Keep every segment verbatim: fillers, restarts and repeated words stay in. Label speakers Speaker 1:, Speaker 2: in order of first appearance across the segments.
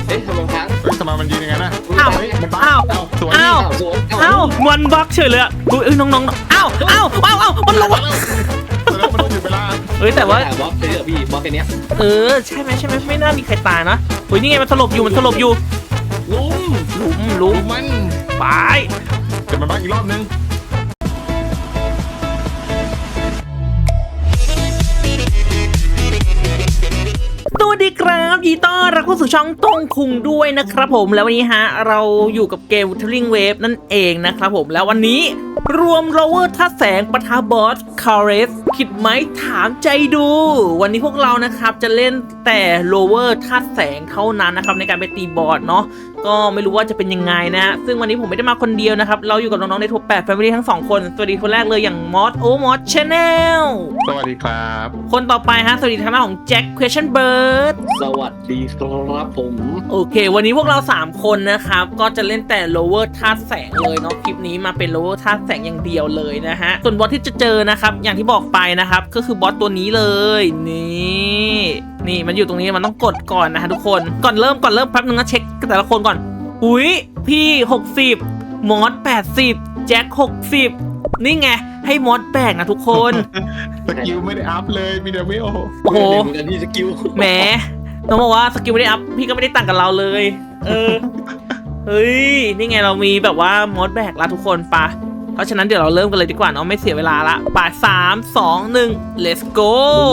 Speaker 1: เอ๊ะทำไมค้าง
Speaker 2: ทำไมมันยืนอย่างนั้นนะ
Speaker 3: อ้าว
Speaker 2: มันบ้า
Speaker 3: อ้าว
Speaker 2: สวย
Speaker 3: อ้าว
Speaker 1: สวย
Speaker 3: อ้าวมันบักเฉยเลยอ่ะเอ้ยน้องๆอ้าวอ้าวอ้าวอ้าวมันลง
Speaker 2: แล้วมันต้องหยุดเวลา
Speaker 3: เอ้ยแต่ว่า
Speaker 1: บล็อกเลยพี่บล็อกแค่นี้
Speaker 3: เออใช่ไหมใช่ไหมไม่น่ามีใครตายนะเฮ้ยนี่ไงมันสลบอยู่มันสลบอยู่
Speaker 1: ลุ้ม
Speaker 3: หลุมหลุม
Speaker 2: มัน
Speaker 3: ไป
Speaker 2: เดี๋ยวมันบ้าอีกรอบนึง
Speaker 3: สวัสดีครับยีต้อนรับเข้าสู่ช่องต้งคุงด้วยนะครับผมแล้ววันนี้ฮะเราอยู่กับเกม Wuthering Waves นั่นเองนะครับผมแล้ววันนี้รวมโรเวอร์ท่าแสงปะทะบอสคาร์เรสคิดไหมถามใจดู วันนี้พวกเรานะครับจะเล่นแต่โรเวอร์ท่าแสงเท่านั้นนะครับในการไปตีบอสเนาะก็ไม่รู้ว่าจะเป็นยังไงนะฮะซึ่งวันนี้ผมไม่ได้มาคนเดียวนะครับเราอยู่กับน้องๆในทัวร์แปดแฟมิลี่ทั้งสองคนสวัสดีคนแรกเลยอย่างมอสโอมอสชาแนล
Speaker 2: สวัสดีครับ
Speaker 3: คนต่อไปฮะสวัสดีทางด้านของแจ็ค Question Bird
Speaker 1: สวัสดีครับผม
Speaker 3: โอเค วันนี้พวกเราสามคนนะครับ ก็จะเล่นแต่ lower ธาตุแสงเลยเนาะ คลิปนี้มาเป็น lower ธาตุแสงอย่างเดียวเลยนะฮะ ส่วนบอสที่จะเจอนะครับ อย่างที่บอกไปนะครับ ก็คือบอสตัวนี้เลย นี่ นี่มันอยู่ตรงนี้ มันต้องกดก่อนนะฮะทุกคน ก่อนเริ่ม ก่อนเริ่มแป๊บนึงนะเช็คแต่ละคนก่อน อุ้ยพี่หกสิบมอสแปดสิบแจ็คหกสิบนี่ไง ให้มอสแบกนะทุกคน
Speaker 2: สกิลไม่ได้อัพเลยมีแต่ไม่โอ้
Speaker 3: โอ้โห
Speaker 1: เหมือนกันที่สกิล
Speaker 3: แหมต้องบอกว่าสกิลไม่ได้อัพพี่ก็ไม่ได้ต่างกับเราเลย เออ เฮ้ย นี่ไงเรามีแบบว่ามอสแบกละทุกคนปะเพราะฉะนั้นเดี๋ยวเราเริ่มกันเลยดีกว่าเนาะไม่เสียเวลาละปะสามสองหนึ่ง let's go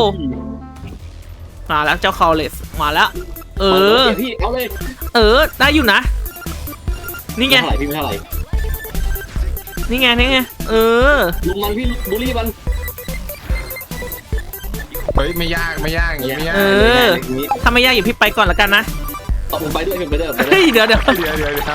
Speaker 3: มาแล้วเจ้าคาเลสมาแล้ว เออ
Speaker 1: พี่เอาเลย
Speaker 3: เออ ได้อยู่นะ นี่ไง
Speaker 1: เท่าไหร่พี่ไม่เท่าไหร่
Speaker 3: นี่ไง นี่ไง เออ
Speaker 1: ลุมมันพี่บุรีมัน
Speaker 2: เฮ้ยไม่ยากไม่ยากอย่างงี้ไม่ยาก
Speaker 3: เออ ถ้าไม่ยากอย่าพี่ไปก่อนละกันนะ
Speaker 1: เอาผมไปด้วยผมไปด้วยไปด้ว
Speaker 3: เฮ้
Speaker 1: ย
Speaker 3: ย เดี๋ยวเดี๋ยว
Speaker 2: เดี๋ยวเดี๋ยวเดี๋ยว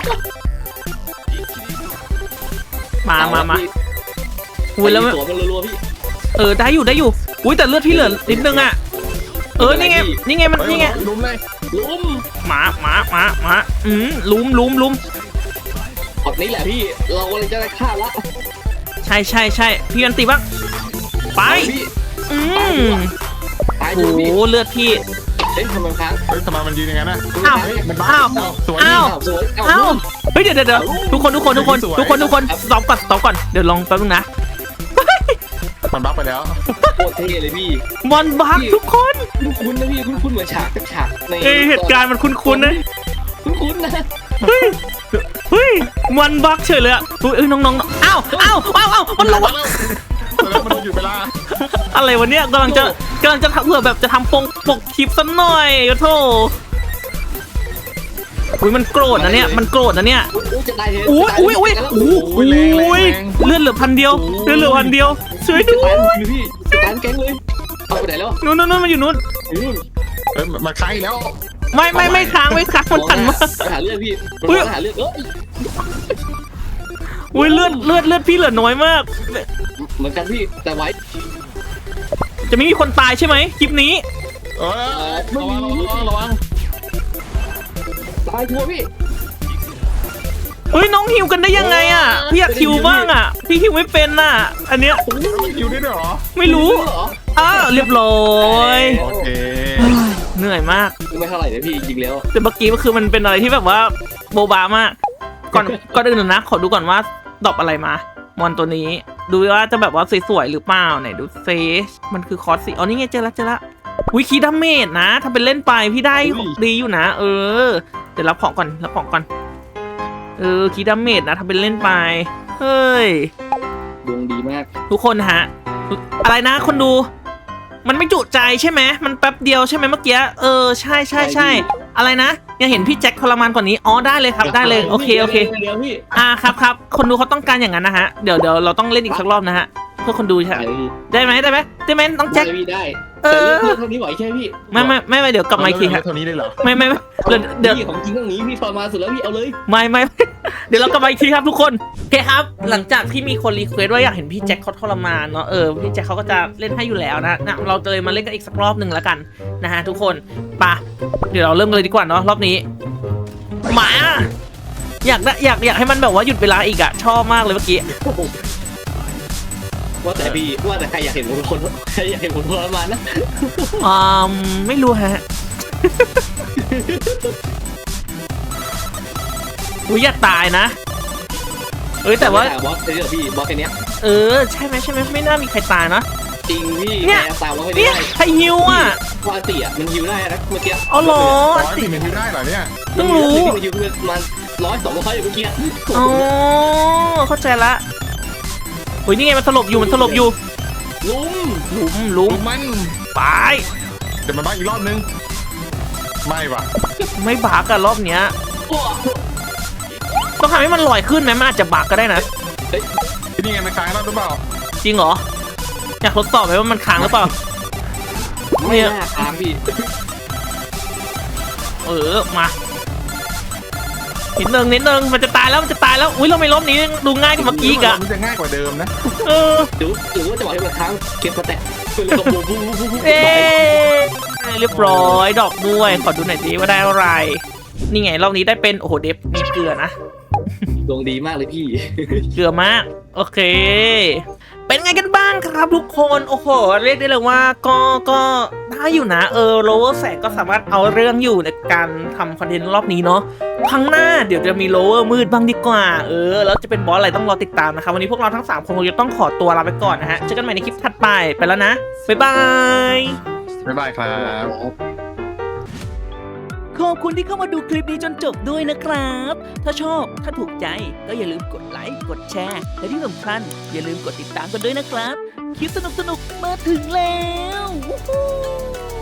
Speaker 3: มามามาอุ้ยแล้ว
Speaker 1: ตัวมันรัวๆพี่
Speaker 3: เออ ได้อยู่ ได้อยู่ อุ้ยแต่เลือดพี่เหลือนิดนึงอ่ะ เออ นี่ไง นี่ไง มัน นี่ไง
Speaker 2: ลุ้มเลย
Speaker 1: ลุม
Speaker 3: หมาหมาหมาหมาอืมลุมลุมลุม
Speaker 1: พอดนี้แหละพี่เรากำลังจะได้ฆ่าละ
Speaker 3: ใช่ใช่ใช่พี่ยันตีบ้างไป
Speaker 1: พี่
Speaker 3: อืม
Speaker 1: ตาย
Speaker 3: โอ้
Speaker 1: ดู
Speaker 3: โห
Speaker 1: พี่
Speaker 3: เลือดพี่
Speaker 1: เอ๊ะทำไมค้าง
Speaker 2: เฮ้ยทำไมมันยืนอย่างนั้นนะ
Speaker 3: อ้าว
Speaker 2: มันบ้า
Speaker 3: อ้าว
Speaker 2: สวย
Speaker 3: อ้าว
Speaker 1: สวย
Speaker 3: เอ้าเฮ้ยเดี๋ยวเดี๋ยวเดี๋ยวทุกคนทุกคนทุกคนทุกคนทุกคนสต็อปก่อนสต็อปก่อนเดี๋ยวลองแป๊บนึงนะ
Speaker 2: มันบ้าไปแล้ว
Speaker 1: โคตรเท่เลยพี่
Speaker 3: มอนบักทุกคน
Speaker 1: คุ้นๆนะพี่คุ้นๆเหมือนฉากฉากใน
Speaker 3: เอ้ยเหตุการณ์มันคุ้นๆนะ
Speaker 1: คุ้นๆนะ
Speaker 3: เฮ้ยเฮ้ยมอนบักเฉยเลยอ่ะเฮ้ยเอ้ยน้องๆอ้าวอ้าวอ้าวอ้าวมันลง
Speaker 2: แล้วมันต้องหยุดเวลา
Speaker 3: อะไรวะเนี่ยกำลังจะกำลังจะทำเผื่อแบบจะทำปงปกคลิปสักหน่อยโอ้โธ่อุ้ยมันโกรธนะเนี่ยมันโกรธนะเนี่ย
Speaker 1: อุ้ยจะตายเลย
Speaker 3: อุ้ยอุ้ยอุ้ยอุ้ยอุ้ยเลือดเหลือพันเดียวเลือดเหลือพันเดียวช่วย
Speaker 1: จะ
Speaker 3: ด้ว
Speaker 1: ตาย
Speaker 3: ย
Speaker 1: เลยพี่จะตายแก๊งเลยเอาไปไหนแล้ว
Speaker 3: นู้นนู้นมันอยู่นู้น
Speaker 1: นู่น
Speaker 2: เฮ้ยมันค้างอีกแล้ว
Speaker 3: ไม่ไม่ไม่ค้างไม่ค้างมันหันมา
Speaker 1: หาเรื่องพี่
Speaker 3: อุ้ย
Speaker 1: หาเรื่องเอ้ย
Speaker 3: อุ้ยเลือดเลือดเลือดพี่เหลือน้อยมาก
Speaker 1: เหมือนกันพี่แต่ไว้
Speaker 3: จะไม่มีคนตายใช่ไหมคลิปนี้
Speaker 2: เออระวังระวังระวัง
Speaker 1: ตายทัวพี่
Speaker 3: เฮ้ยน้องฮิวกันได้ยังไงอ่ะพี่อยากฮิวบ้างอ่ะพี่ฮิวไม่เป็นน่ะอันเนี้ย
Speaker 2: มันอยู่ได้ด้วยเหรอ
Speaker 3: ไม่รู้
Speaker 1: เหรอ
Speaker 3: อ้าวเรียบร้อย
Speaker 2: โอเค
Speaker 3: เหนื่อยมาก
Speaker 1: ไม่เท่าไหร่เลยพี่จริงแล้ว
Speaker 3: แต่เมื่อกี้มันคือมันเป็นอะไรที่แบบว่าโบบามากก่อนก่อนอื่นนะขอดูก่อนว่าดรอปอะไรมามอนตัวนี้ดูว่าจะแบบว่าสวยๆหรือเปล่าไหนดูเฟซมันคือคอร์สสีอ๋อนี่ไงเจอละเจอละวิคีดาเมจนะถ้าเป็นเล่นไปพี่ได้ดีอยู่นะ เออเดี๋ยวรับของก่อนรับของก่อนเออคีดาเมจนะถ้าเป็นเล่นไปเฮ้ย
Speaker 1: ดวงดีมาก
Speaker 3: ทุกคนฮะอะไรนะคนดูมันไม่จุใจใช่ไหมมันแป๊บเดียวใช่ไหมเมื่อกี้เออใช่ใช่ใช่อะไรนะยังเห็นพี่แจ็คทรมานกว่านี้อ๋อได้เลยครับได้เลยโอเคโอเค
Speaker 1: เดี๋ยวพี่
Speaker 3: อ่าครับครับคนดูเขาต้องการอย่างนั้นนะฮะเดี๋ยวเดี๋ยวเราต้องเล่นอีกสักรอบนะฮะเพื่อคนดูใช่ไหมได้ไหมได้ไหมได้ไหมน้องแจ็ค
Speaker 1: ได้พี่ได้
Speaker 3: เออ
Speaker 1: แต่เรื่องเท่านี้ไหวใช่พี่
Speaker 3: ไม่ไม่ไม่ไม่เดี๋ยวกลับมาอีกทีฮะ
Speaker 2: เท่านี้เลยเหรอ
Speaker 3: ไม่ไม่ไม่เดี๋ยวเดี๋ยว
Speaker 1: พี่ของจริงต้องนี้พี่ทรมานสุดแล้วพี่เอาเลย
Speaker 3: ไม่ไม่ เดี๋ยวเรากลับมาอีกทีครับทุกคนโอเคครับหลังจากที่มีคนรีเควสว่าอยากเห็นพี่แจ็คเขาทรมานเนาะเออพี่แจ็คเขาก็จะเล่นให้อยู่แล้วนะนะเราจะเลยมาเล่นกันอีกสักรอบหนึ่งแล้วกันนะฮะทุกคนไปะเดี๋ยวเราเริ่มกันเลยดีกว่าเนาะรอบนี้มาอยากได้อยากอยากให้มันแบบว่าหยุดเวลาอีกอะชอบมากเลยเมื่อกี้
Speaker 1: ว่าแต่พี่ว่าแต่ใครอยากเห็นคนคนใครอยากเห็นคนทรมานนะ
Speaker 3: อ่าไม่รู้ฮะอุ้ยอย่าตายนะเอ้ยแต่ว่า
Speaker 1: บอสเจอพี่บอสแค่เนี้ย
Speaker 3: เออใช่ไหมใช่ไหมไม่น่ามีใครตายนะ
Speaker 1: จริงพี่
Speaker 3: เนี่ย
Speaker 1: แกตามบอสแค่
Speaker 3: เนี่
Speaker 1: นี้
Speaker 3: ย
Speaker 1: ได้
Speaker 3: ใครฮิวอ่ะ
Speaker 1: วาติอ่ะมันฮิวได้นะเมื่อกี้
Speaker 3: อ๋อเหรอ
Speaker 2: ร้อยสี่หนึ่งที่ได้เหรอเนี่ย
Speaker 3: เพิ่งรู้
Speaker 1: มันฮิวประมาณร้อยสองร้อยอยู่เมื่อกี้
Speaker 3: อ๋อเข้าใจละเฮ้ยนี่ไงมันสลบอยู่มันสลบอยู่
Speaker 1: ลุม
Speaker 3: หลุมหลุม
Speaker 2: ลูกมัน
Speaker 3: ไป
Speaker 2: เดี๋ยวมันบ้าอีกรอบนึงไม่ว่ะ
Speaker 3: ไม่บักอะรอบเนี้ย
Speaker 1: โอ้
Speaker 3: ต้องทำให้มันลอยขึ้นไหมมันอาจจะบักก็ได้นะ
Speaker 2: ที่นี่ไงมันค้างแล้วหรือเปล่า
Speaker 3: จริงเหรออยากทดสอบไหมว่ามันค้างหรือเปล่า
Speaker 1: ไม่น่าตามพี่
Speaker 3: เออมานิดนึงนิดนึงมันจะตายแล้วมันจะตายแล้วอุ้ยเราไม่ล้มนี้ดูง่ายกว่าเมื่อกี้อีกอะ
Speaker 2: มันจะง่ายกว่าเดิมนะ
Speaker 3: เออ
Speaker 1: หรือหรือว่าจะบอกให้มันค้างเก็บสแต็กเป็นกระปุกปุ๊บปุ๊บปุ๊บปุ๊บ
Speaker 3: เอ๊เรียบร้อยดอกด้วยขอดูหน่อยดิว่าได้อะไร นี่ไงรอบนี้ได้เป็นโอ้โหเดฟมีเกลือนะ
Speaker 1: ดวงดีมากเลยพี่
Speaker 3: เกลือมากโอเค เป็นไงกันบ้างครับทุกคนโอ้โหเรียกได้เลยว่าก็ก็ได้อยู่นะเออโลเวอร์แสงก็สามารถเอาเรื่องอยู่ในการทำคอนเทนต์รอบนี้เนาะครั้งหน้าเดี๋ยวจะมีโลเวอร์มืดบ้างดีกว่าเออแล้วจะเป็นบอสอะไรต้องรอติดตามนะครับวันนี้พวกเราทั้งสามคนคงจะต้องขอตัวลาไปก่อนนะฮะเจอกันใหม่ในคลิปถัดไปไปแล้วนะบ๊ายบาย
Speaker 2: บ๊ายบายครับ
Speaker 3: ขอบคุณที่เข้ามาดูคลิปนี้จนจบด้วยนะครับ ถ้าชอบ ถ้าถูกใจ ก็อย่าลืมกดไลค์ กดแชร์ และที่สำคัญอย่าลืมกดติดตามกันด้วยนะครับ คลิปสนุกๆ มาถึงแล้ว Woohoo